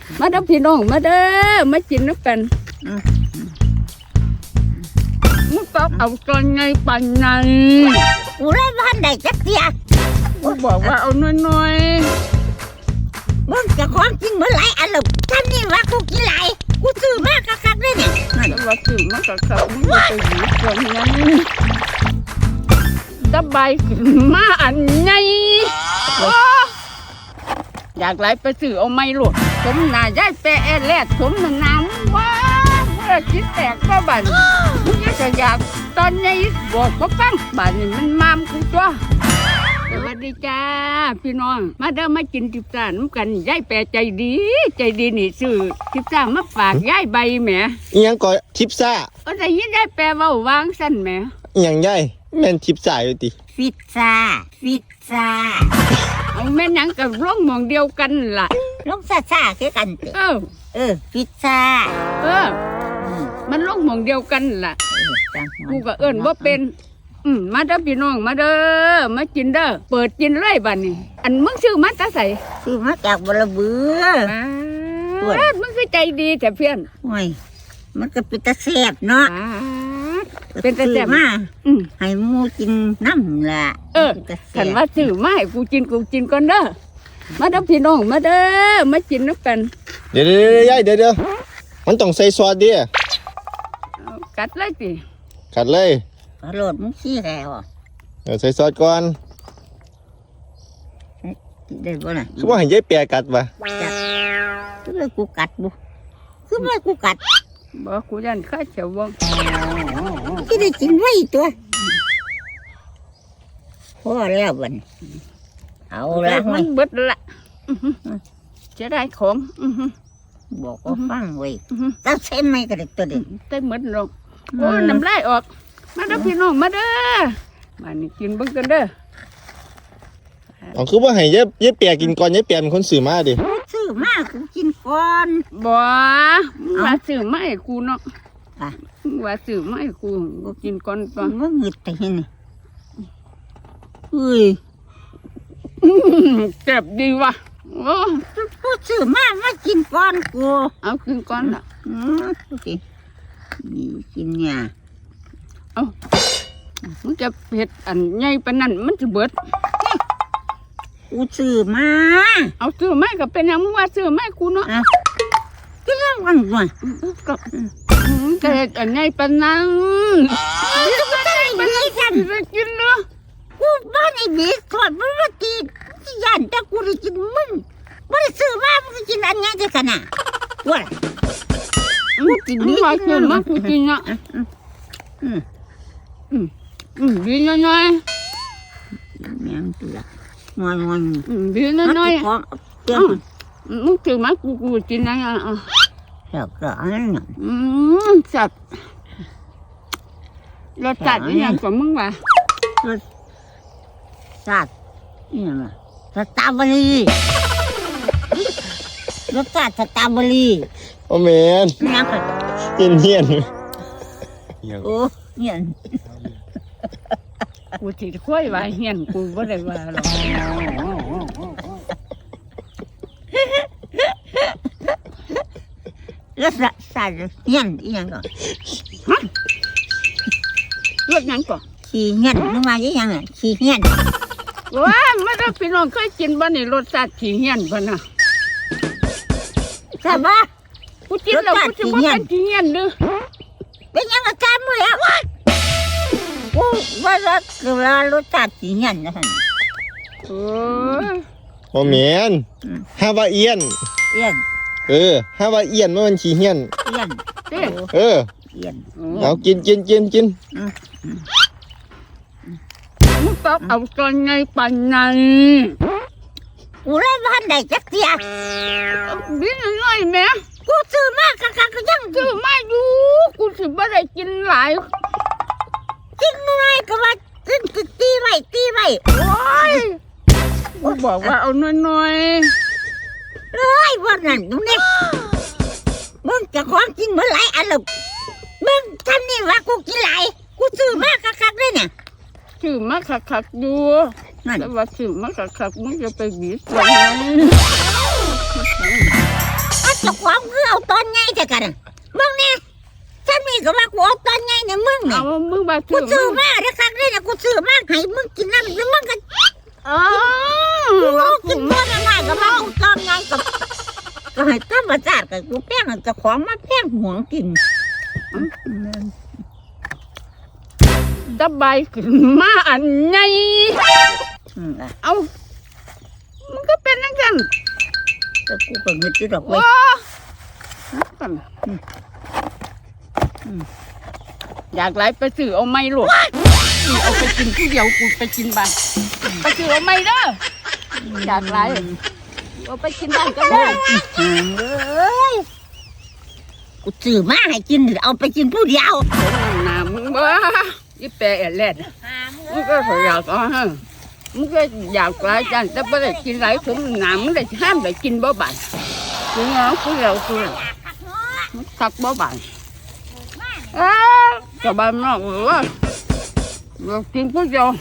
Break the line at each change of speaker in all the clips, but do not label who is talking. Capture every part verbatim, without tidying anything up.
มาเด้อพี่น้องมาเด้อมากินน้ำกันมึงต้องเอาตอนไงปันไง
กูเลยบ้านใดจักเสีย
กูบอกว่าเอาน้อย
ๆมึงจะของจริงเมื่อไรอันหลบท่านนี่ว่ากูกินไหลกูซื้อมากคักๆเลยเนี่ย
แต่ว่าซื้อมากคักๆมึงจะไปหยิบตอนนั้นสบายมาอันไงอยากไหลไปซื้อเอาไม่หลุดสมนาย้ายแปะแลดสมน้ำว่าเมื่อคิดแตกก็บันมึงจะอยากตอนนี้บอกก็ฟังบันนี่มันมามกูจ้ะสวัสดีจ้าพี่น้องมาเด้อมากินทิพซ่าน้ำกันย้ายแปะใจดีใจดีนี่ซื้อทิพซ่ามาฝากย้ายใบแหม
อีหยังก็ทิพซ่า
ก็ได้ยินย้ายแปะว่าวางสั้นแหม
อีหยังย้ายแม่นทิพซ่าอยู่ติ
ฟิตซ่าฟิตซ่า
เอาแม่นังกับร่องมองเดียวกันล่ะ
ลงซ่าซ่าคือกัน
เออ
เออฟิตซ่า
เออมันร่องมองเดียวกันล่ะกูก็เอิ้นว่าเป็นอืมมาเด้อพี่น้องมาเด้อมากินเด้อเปิดกินเลยบัดนี้อันมึงซื้อมาตาใส่
ซื้อมาจากบลเบือ
มึงคือใจดีแต่เพื่อน
โอ้ยมันก็เป็นตาแซ่บเนาะ
เป็นตาแซ่บ
มาให้หมูกินน้ำล่ะ
เออขันว่าซื้อมาให้กูกินกูกินก่อนเด้อมาเด้อพี่น้องมาเด้อมากินน้ำกัน
เดี๋ยวเดี๋ยวยายเดี๋ยวเดี๋ยวมันต้องใส่ซอสดิ
กัดเลยสิ
กัดเลย
โหลดมึงขี้แล้ว
เดี๋ยวใส่ซอสก่อน
ได้บ่น่ะ
คือว่าให้ยายแปะกัดป่ะ
คือว่ากูกัดบุคือว่ากูกัด
บอกกูยันข้าเฉียววง
ก็ได้กินไว้ตัวพอแล้วบันเอาละ
มันเบิดละจะได้ของ
บอกว่าฟังไว้ตั้งใช้ไม่ก็ได้ตัวเด็ก
ได้หมดลงโอ้น้ำลายออกมาเด้อพี่น้องมาเด้อมานี่กินเบิ่งกันเด้อ
อ๋อคือว่าให้ยายยายแปะกินก่อนยายแปะเป็นคนซื้อมาดิ
ซื้อมากูกินก่อน
บ่ว่าซื้อมาให้กูเนาะว่าซื้อมาให้กูกูกินก่อนก่อน
ว่าหงึดแต่เห็นนี่เฮ้ย
เจ็บดีว่ะโอ้
กูซื้อมามากินก่อนกู
เอากินก่อนละ
อืมดูสินี่กินเนี่ย
เอามันจะเผ็ดอันใหญ่ปานนั้นมันจะเบิด
กูซื้อมา
เอาซื้อมาก็เป็นยังมึงว่าซื้อมากูเนาะ
กินแล้ววันก่อน
ก็จะเห็ดอันใหญ่ปานนั้น
ไม่ได้ไม่ได้กัน
ไปกินเนาะ
กูบ้านไอ้เด็กถอดมันมาตียันแต่กูได้กินมึงไม่ได้ซื้อมามึงกินอันนี้จะขนาดว่า
มึงกินมากินมากูกินอ่ะอืมอืมอืมดีน้อย
ๆแมงตัวงอนงอน
ดีน้อยๆมึงถือมากูกูกินนะอ่ะ
แล้วก็อันนั้น
อืมจับรสจัดอย่างกว่ามึงว่ะ
รสจัดนี่นะสตรอเบอรี่รสจัดสตรอเบอรี่
โอ้แมน
น้ำค่ะ
เย็นเย็น
โอ้เย็น
กูจิตค่อยว่าเฮียนกูไม่ได้ว่าหรอก
แล้วสัตว์เฮียนอีหยังก่อน
ฮะเลือดยังก่อน
ขี้เฮียนนึกว่าอีหยังอ่ะขี้เฮียน
ว้าไม่ได้พี่น้องเคยกินบ้านนี่รสชาติขี้เฮียนป่ะนะ
ใช่ปะ
กูกินแล้วกูจะว่าเป็นขี้เฮียนหรือ
เป็นยังอาการมั้ยอ่ะกูว่าจะคือว่ารสชาติขี้เฮียนนะฮะ
โอ้
โอ้แมนฮาวาเอียน
เอียน
เออฮาวาเอียนมันขี้เฮียน
เอียน
เออ
เอียน
เอากินกินกินกิน
มึงต้องเอาตอนไงปันไง
กูเลยบ้านใดจักเสีย
บินน้อยแม่
กูซื้อมากคักๆก็ยัง
ซื้อมาอยู่กูสิบ่ได้กินหลาย
กินน้อยก็ว่ากินตีไว้ตีไว้โอ้ย
กูบอกว่าเอาน้อย
ๆเลยวันนั้นตรงนี้มึงจะของกินเมื่อไรอันละมึงทำนี่ว่ากูกินหลายกูซื้อมากคักๆเลยเนี่ย
ซื้อมาคักๆอยู่แต่ว่าซื้อมาคักๆมึงจะไปบีบตัวไหน
อาจเจ้าของคือเอาตอนไงแต่กันมึงเนี่ยฉันมีก็ว่ากูเอาตอนไงเนี่ยมึงเนี่
เอา
ย
มึงมา
กู
ซื้อ
ซื้อมาแล้วครั้งนี้นะกูซื้อมาให้มึงกินน้ำแล้วมึงก็
อ๋อ
กูกินตัวน้อยๆก็มากูตอนไงกับก็ให้ธรรมชาติกับกูแป้งเจ้าของมาแป้งหวงกิน
ดบายขึ้นมาอันใหญ่
อืมอ่ะ
เอามันก็เป็นนักกัน
แต่กูก็เงินที่ดอก
โอ้
ไว้
อยากไหลไปซื้อเอาไม่หลดเอาไปกินที่เดียวกูไปกินบ้านไปซื้อเอาไม่เด้ออยากไหลเอาไปกินบ้านก็ได้
อืมเอ้ยกูซื้อมาให้กินเอาไปกินผู้เดียว
หนามึงบ้ายี่แปะแหลดมึงก็อยากเอาฮะมึงก็อยากไหลจังแต่ไม่ได้กินไหลถึงหนามึงได้ห้ามได้กินบ่บ้านกินเอากูเดียวกูทักบ่บ้านเอ้าจะบ้านนอกหรือว่าเรากินผู้เดียว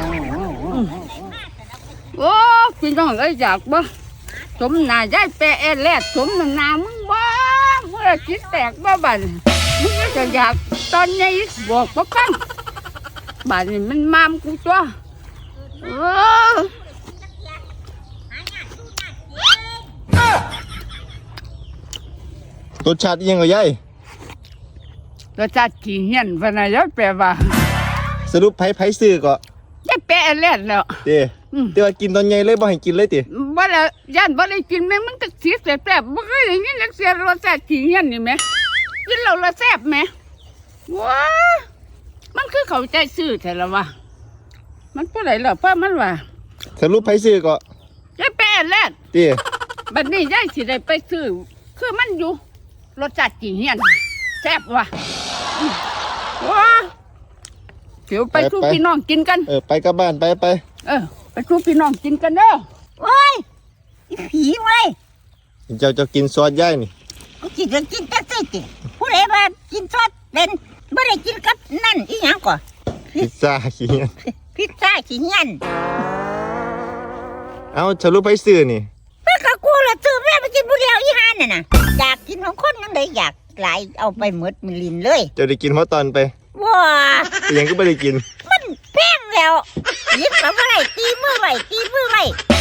โอ้กินต้องได้อยากบ่สมนายได้แปะแลดสมนามึงบ้าเมื่อคิดแตกบ่บ้านมึงก็จะอยากตอนนี้บอกบ่ฟังบ้านนี้มันมามกูตัวเออ
รสชาติอิหยังก็ยาย
รสชาติขี้เหี้ยนพะนายแปลว่า
สรุปไผไผซื้อก็
ได้แปะแลดแล้ว
เด้
อืม
แต่ว่ากินตอนใหญ่เลยบ่ให้กินเลยติ
บ่แล้วย่านบ่ได้กินแม่มันก็เสียแซ่บๆบ่เคยได้ยินจักเสียรสชาติขี้เหี้ยนนี่แหม่กินแล้วละแซ่บแหม่ว้ามันคือเข้าใจซื่อแท้ละวะมันผู้ใดล่ะเพราะมันว่า
สรุปไผซื้อก็
ได้แปะแลด
ติ
บัดนี้ยายสิได้ไปซื้อคือมันอยู่รสชาติขี้เหี้ยนแซ่บว่ะอืมว้าเดี๋ยวไปสู่พี่น้องกินกัน
เออไปกลับบ้านไปไป
เออไปสู่พี่น้องกินกันเด้อ
โอ้ยอีผีเว้ย
เจ้าจะกินซอสยายนี่
กูกินจะกินแต่สิติผู้ใดว่ากินซอสเป็นไม่ได้กินกับนั่นอีหยังก่อน
พิซซ่าขี้เหี้ย
พิซซ่าขี้เงี้ยน
เอาสรุปไผซื้อนี่
เมื่อกับกูละซื้อแม่ไปกินผู้เดียวอีหานน่ะนะอยากกินของคนยังไงอยากหลายเอาไปหมดมิลินเลย
เจ้าได้กินเพราะตอนไป
ว้า
แต่ยังก็บ่ได้กิน
มันแพงแล้วหยิบมาไว้ตีมือไว้ตีมือไว้